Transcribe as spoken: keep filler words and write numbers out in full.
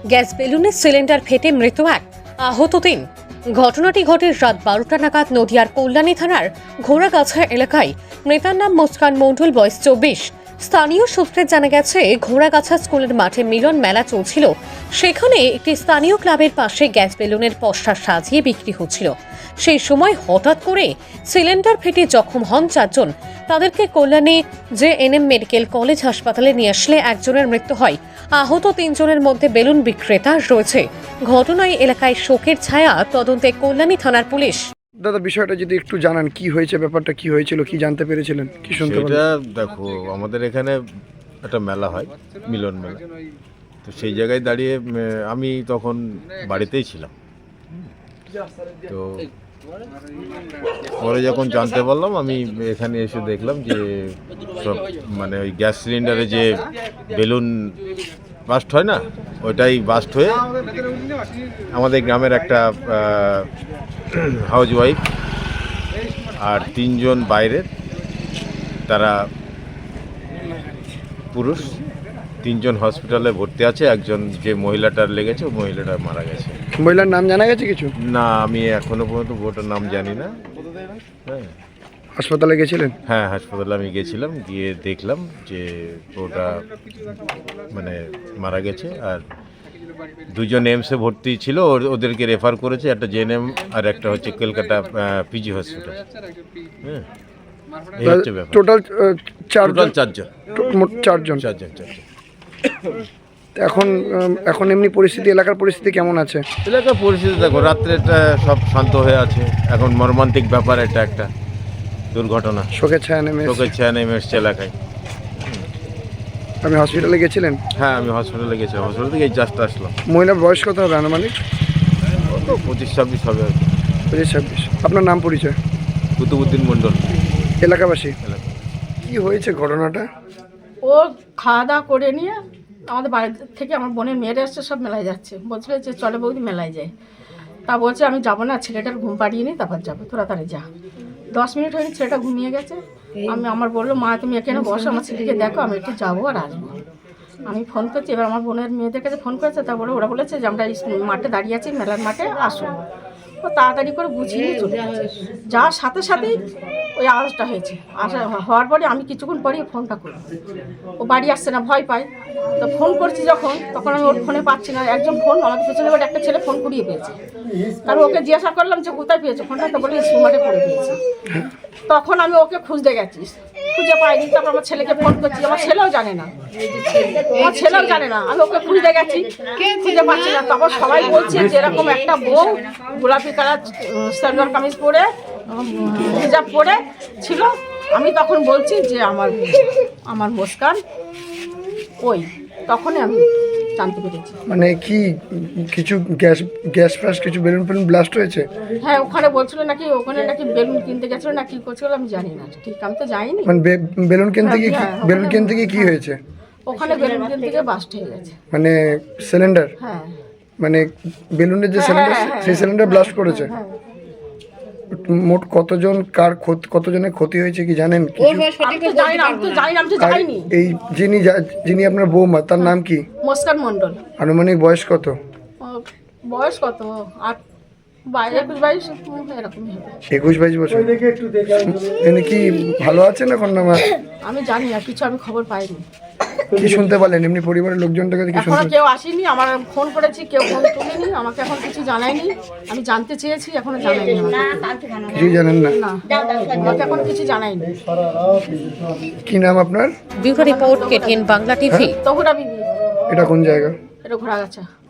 Gas বেলুনের cylinder ফেটে মৃত্যু এক, আহত তিন। ঘটনাটি ঘটে রাত বারোটা নাগাদ নদিয়ার কল্যাণী থানার ঘোড়াগাছা এলাকায়। মৃতার নাম মুস্কান মণ্ডল, বয়স চব্বিশ। স্থানীয় সূত্রে জানা গেছে, ঘোড়াগাছা স্কুলের মাঠে মিলন মেলা চলছিল। সেখানে একটি স্থানীয় ক্লাবের পাশে গ্যাস বেলুনের পসরা সাজিয়ে বিক্রি হচ্ছিল। সেই সময় হঠাৎ করে সিলিন্ডার ফেটে জখম হন চারজন। তাদেরকে Kalyani J N M medical college হাসপাতালে নিয়ে আসলে একজনের মৃত্যু হয়। আহত তিনজনের মধ্যে বেলুন বিক্রেতা রয়েছে। ঘটনায় এলাকায় শোকের ছায়া। তদন্তে কল্যাণী থানার পুলিশ। দাদা, বিষয়টা যদি একটু জানান, কি হয়েছে, ব্যাপারটা কি হয়েছিল, কি জানতে পেরেছিলেন, কি শুনতে সেটা পেলেন? দেখো, আমাদের এখানে একটা মেলা হয়, মিলন মেলা। তো সেই জায়গায় দাঁড়িয়ে উম, আমি তখন বাড়িতেই ছিলাম। তো পরে যখন জানতে পারলাম, আমি এখানে এসে দেখলাম যে সব মানে ওই গ্যাস সিলিন্ডারে যে বেলুন বাস্ট হয় না, ওইটাই বাস্ট হয়ে আমাদের গ্রামের একটা হাউস ওয়াইফ আর তিনজন বাইরের, তারা পুরুষ, তিনজন হসপিটালে ভর্তি আছে। একজন যে মহিলাটার লেগেছে, ওই মহিলাটা মারা গেছে। মহিলার নাম জানা গেছে কিছু? না, আমি এখনো পর্যন্ত ওটার নাম জানি না। হ্যাঁ হাসপাতালে গেছিলেন? হ্যাঁ হাসপাতালে আমি গেছিলাম, গিয়ে দেখলাম যে ওটা মানে মারা গেছে। আর দুজন এমসে ভর্তি ছিল, ওর- ওদেরকে রেফার করেছে, একটা জেএনএম আর একটা হচ্ছে কলকাতা পিজি হসপিটাল। হ্যাঁ, এই হচ্ছে ব্যাপার। টোটাল চারজন? টোটাল চারজন টো- মোট চারজন। চারজন চারজন এখন উম, এখন এমনি পরিস্থিতি, এলাকার পরিস্থিতি কেমন আছে? এলাকার পরিস্থিতি দেখো, রাত্রেটা সব শান্ত হয়ে আছে। এখন মর্মান্তিক ব্যাপার, এটা একটা দুর্ঘটনা, শোকের ছায়া নেমে এসেছে। চোখের ছায়া নেমে এসছে এলাকায়। আপনি হসপিটালে গেছিলেন? হ্যাঁ, আমি হসপিটালে গেছিলাম, হসপিটাল থেকে এই জাস্ট আসলাম। মহিলার বয়স কত হবে আনুমানিক? ও তো পঁচিশ ছাব্বিশ হবে আর কি। পঁচিশ ছাব্বিশ। আপনার নাম, পরিচয়? কুতুবুদ্দিন মণ্ডল এলাকাবাসী। এলাকা। কি হয়েছে ঘটনাটা? ও খাওয়া দাওয়া করে নিয়ে আমাদের বাড়ি থেকে আমার বোনের মেয়েরা এসছে, সব মেলায় যাচ্ছে। বলছিল যে চলে বৌদি মেলায় যায়। তা বলছে আমি যাবো না, ছেলেটার ঘুম পাড়িয়ে নিই, তারপর যাবো, তোরা তাড়াতাড়ি যা। দশ মিনিট হয়নি, ছেলেটা ঘুমিয়ে গেছে। আমি আমার বললো, মা তুমি এখানে বসো, আমার ছেলেকে দেখো, আমি একটু যাবো আর আসবো। আমি ফোন করছি, এবার আমার বোনের মেয়েদের কাছে ফোন করেছে। তারপরে ওরা বলেছে যে আমরা স্কুল মাঠে দাঁড়িয়ে আছি, মেলার মাঠে আসো। ও তাড়াতাড়ি করে গুছিয়ে নিয়ে চলে গেছে। যাওয়ার সাথে সাথেই ওই আওয়াজটা হয়েছে। আসা হওয়ার পরে আমি কিছুক্ষণ পরেই ফোনটা করি। ও বাড়ি আসছে না, ভয় পায়। তো ফোন করছি যখন, তখন আমি ওর ফোনে পাচ্ছি না। একজন ফোন আমাদের পেছনে বাড়ি একটা ছেলে ফোন কুড়িয়ে পেয়েছে। কারণ ওকে জিজ্ঞাসা করলাম যে কোথায় পেয়েছে ফোনটা, তো বলে স্কুল মাঠে পড়ে পেয়েছি। তখন আমি ওকে খুঁজতে গেছি, খুঁজে পাইনি। তারপর আমার ছেলেকে ফোন করছি, আমার ছেলেও জানে না, আমার ছেলেও জানে না। আমি ওকে খুঁজতে গেছি, খুঁজে পাচ্ছি না। তখন সবাই বলছে যে এরকম একটা বউ গোলাপি কালার সালোয়ার কামিজ পরে, হিজাব পরে ছিল। আমি তখন বলছি যে আমার আমার মুস্কান ওই, তখনই আমি জানতে পেরেছি। মানে কি কিছু গ্যাস গ্যাস ফ্যাস কিছু বেলুন ফেলুন ব্লাস্ট হয়েছে? হ্যাঁ, ওখানে বলছিল নাকি, ওখানে নাকি বেলুন কিনতে গেছিল না কি করছিল, আমি জানি না ঠিক, আমি তো যাইনি। মানে বে- বেলুন কিনতে গিয়ে কি- হ্যাঁ, হ্যাঁ, বেলুন ওখানে- কিনতে গিয়ে কি হয়েছে? ওখানে বেলুন কিনতে গিয়ে বাস্ট হয়ে গেছে। মানে সিলিন্ডার, হ্যাঁ মানে বেলুনের যে হ্যাঁ, সিলিন্ডার, হ্যাঁ, হ্যাঁ, সেই সিলিন্ডার ব্লাস্ট করেছে। হ্যাঁ। মোট কতজন, কার ক্ষতি, কতজনের ক্ষতি হয়েছে কি জানেন কিছু? আমি তো জানি না, আমি তো জানি না, আমি তো আর যাইনি। এই যিনি যা- যিনি আপনার বৌমা, তার নাম কি? মুস্কান মণ্ডল। আনুমানিক বয়স কত? ও বয়স কত? আট বাইশ একুশ বাইশ এরকমই হবে। একুশ বাইশ বছর। এনে কি ভালো আছেন এখন না? মা- আমি জানি না কিছু, আমি খবর পাইনি। কি শুনতে পারলেন এমনি পরিবারের লোকজনটার কাছে কি এখনো শুনতে? কেউ আসেনি, আমার ফোন করেছি, কেউ ফোন তুলেনি, আমাকে এখন কিছু জানায়নি। আমি জানতে চেয়েছি, এখনো জানায়নি আমাকে। কিছুই জানেন না? না, আমাকে এখন কিছু জানায়নি। কি নাম আপনার? Bureau report, KTN Bangla TV. Tahura Bibi, এটা কোন জায়গা? এটা ঘোড়াগাছা।